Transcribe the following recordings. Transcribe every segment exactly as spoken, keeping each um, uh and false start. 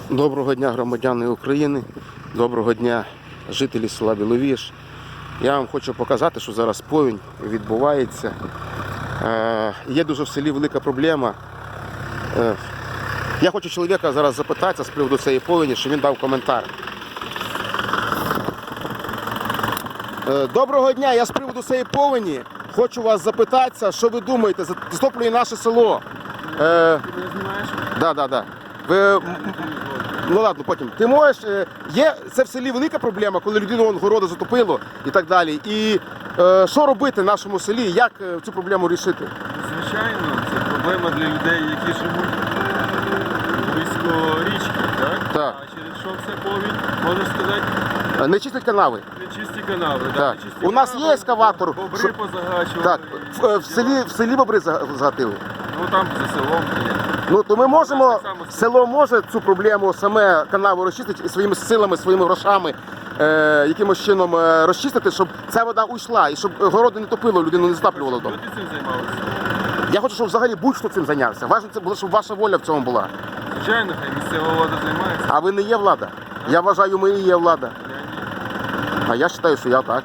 Доброго дня, громадяни України, доброго дня, жителі села Біловіж. Я вам хочу показати, що зараз повінь відбувається. Е, є дуже в селі велика проблема. Е, я хочу чоловіка зараз запитатися з приводу цієї повені, що він дав коментар. Е, доброго дня, я з приводу цієї повені хочу вас запитатися, що ви думаєте, затоплює наше село. Е, Ти мене знімаєш? да, да, да. Ви... Ну ладно, потім. Ти можеш, є, це в селі велика проблема, коли людину вон, городи затопило і так далі. І е, що робити в нашому селі, як е, цю проблему рішити? Звичайно, це проблема для людей, які живуть близько річки, так? Так. А через що це повінь, можеш сказати? Не чистять канави. Нечисті канави, Так. так? Нечисті У нас канави, є ескаватор. Бобри Що... позагачували. Так, в, в, селі, в селі бобри загатили. Ну там за селом є. Ну, то ми можемо, Так само село може цю проблему саме канаву розчистити і своїми силами, своїми грошами, е, якимось чином е, розчистити, щоб ця вода уйшла і щоб городи не топило, людину не затаплювало вдома. Що ти цим займалися? Я хочу, щоб взагалі будь-хто цим зайнявся. Важно, це було, щоб ваша воля в цьому була. Звичайно, хай місцева влада займається. А ви не є влада. Я вважаю, ми і є влада. Я ні. А я вважаю, що я так.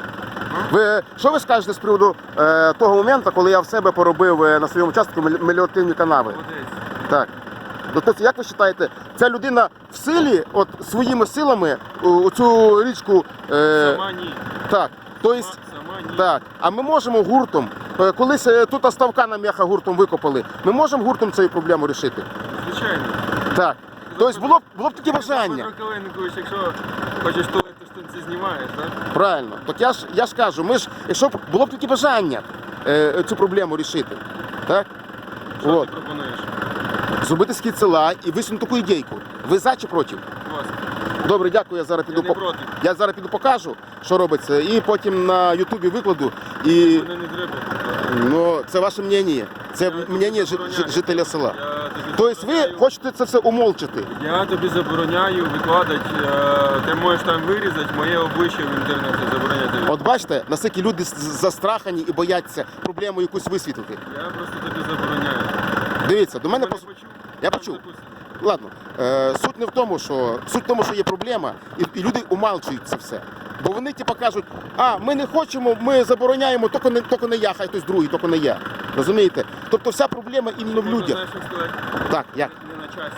Ви, що ви скажете з приводу е, того моменту, коли я в себе поробив е, на своєму участку мель- меліоративні канави? Молодець. Так. Тобто, як ви вважаєте, ця людина в силі, от своїми силами у цю річку. Е, Сама ні. так. Тобто, Сама, сама ні. так. А ми можемо гуртом, е, колись е, тут ставка на м'яха гуртом викопали, ми можемо гуртом цю проблему рішити? Звичайно. Так. Тобто було б, було б таке бажання. Петро Калиникович, якщо хочеш туалет, то штанці знімаєш, так? Правильно. Так я ж, я ж кажу, ми ж, якщо б було б таке бажання е, цю проблему рішити, так? Що От. ти пропонуєш? Зробити схід села і висунути таку ідейку. Ви за чи проти? Будь ласка. Добре, дякую, я зараз Я піду не по- проти. я зараз піду покажу, що робиться, і потім на Ютубі викладу. І Мене не треба. ну, це ваше мнення. Це Я тобі мнення жи- забороняю. жи- жителя села. Я тобі Тобто ви забороняю- хочете це все умолчити. Я тобі забороняю викладати, е, ти можеш там вирізати моє обличчя в інтернеті, забороняю тобі. От бачите, наскільки люди з- застрахані і бояться проблему якусь висвітлити. Я просто тобі забороняю. Дивіться, до мене Ти пос- почув? Я Там почув. записано. Ладно, е, суть не в тому, що суть в тому, що є проблема, і, і люди умалчують це все. Бо вони типу кажуть, а ми не хочемо, ми забороняємо, тільки не, тільки не я, хай хтось другий, тільки не я. Розумієте? Тобто вся проблема іменно в Можна, людях. знаєш, що сказати? Так, як? Не на часі.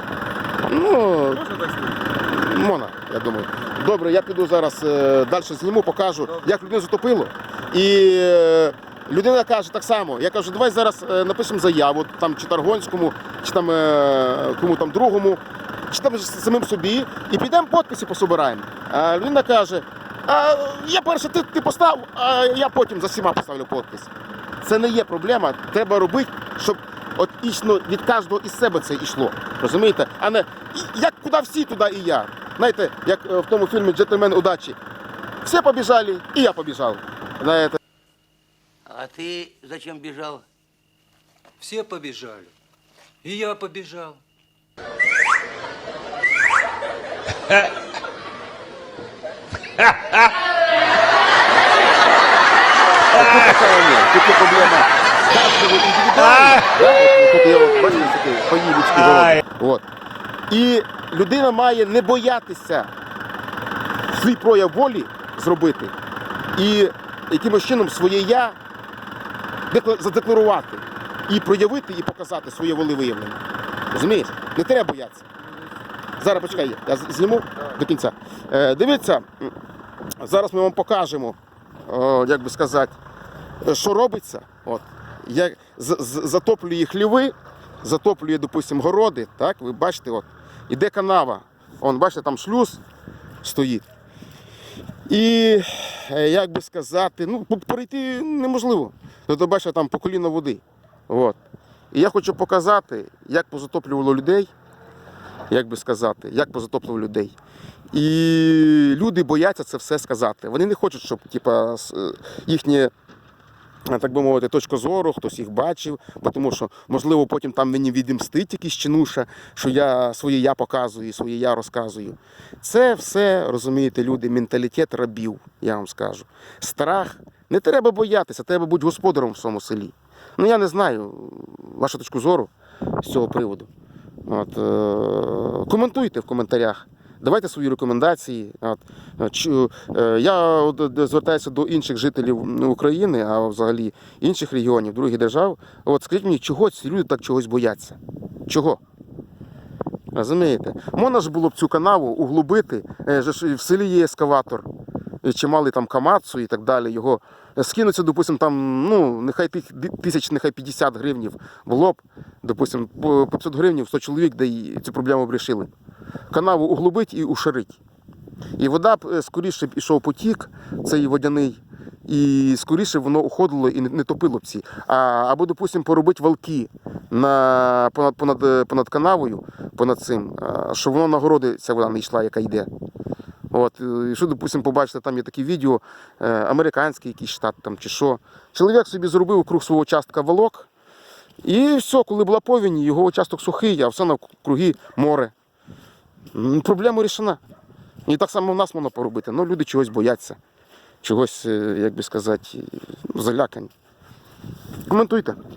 Ну, Можна так сказати? можна, я думаю. Добре, я піду зараз е, далі зніму, покажу, як людину затопило. І е, людина каже так само. Я кажу, давай зараз е, напишемо заяву, там чи Таргонському, чи там е, кому там другому, чи там ж самим собі, і підемо підписи пособираємо. А людина каже, а я перше ти, ти постав, а я потім за всіма поставлю підпис. Це не є проблема, треба робити, щоб от ічно від кожного із себе це йшло. Розумієте? А не і- як куди всі, туди і я. Знаєте, як е, в тому фільмі «Джентльмен удачі». Всі побіжали, і я побіжав. Знаєте. А ты зачем бежал? Все побежали. И я побежал. Тут така ні, тут є проблема. Кожного індивідуально. Да? От, тут є, от, бачите, такі поїлічки городи. От. І людина має не боятися свій прояв волі зробити і якимось чином своє я декла- задекларувати і проявити, і показати своє волевиявлення. Розумієш? Не треба боятися. Зараз почекай, я з- зніму до кінця. Е, дивіться, м, зараз ми вам покажемо, о, як би сказати, що робиться. От. Як з- з- затоплює хліви, затоплює, допустимо, городи. Так? Ви бачите, от, іде канава. Вон, бачите, там шлюз стоїть. І, е, як би сказати, ну, перейти неможливо. Тобто, бачите, там по коліно води. От. І я хочу показати, як позатоплювало людей, як би сказати, як позатоплювало людей. І люди бояться це все сказати. Вони не хочуть, щоб типа, с- е, їхнє, е, так би мовити, точка зору, хтось їх бачив, бо тому що, можливо, потім там мені відімстить якийсь чинуша, що я своє я показую, своє я розказую. Це все, розумієте, люди, менталітет рабів, я вам скажу. Страх. Не треба боятися, треба бути господарем в своєму селі. Ну, я не знаю вашу точку зору з цього приводу. От, е, коментуйте в коментарях. Давайте свої рекомендації. От, Чу- е, я от звертаюся до інших жителів України, а взагалі інших регіонів, других держав. От скажіть мені, чого ці люди так чогось бояться? Чого? Розумієте? Можна ж було б цю канаву углубити, е, же ж в селі є ескаватор, і чималий там Камацу і так далі. Його скинуться, допустим, там, ну, нехай тих тисяч, нехай п'ятдесят гривнів було б, допустим, по п'ятсот гривнів, сто чоловік, де й цю проблему б рішили. Канаву углубить і ушарить. І вода б скоріше б ішов потік, цей водяний, і скоріше воно уходило і не, не топило б ці. А, або, допустим, поробити валки на, понад, понад, понад канавою, понад цим, а, щоб воно на городи ця вода не йшла, яка йде. От, і що, допустим, побачите, там є такі відео, е, американський якийсь штат там, чи що. Чоловік собі зробив круг свого частка валок, і все, коли була повінь, його участок сухий, а все навкруги море. М, Проблема рішена. І так само в нас можна поробити, але люди чогось бояться, чогось, е, як би сказати, залякані. Коментуйте.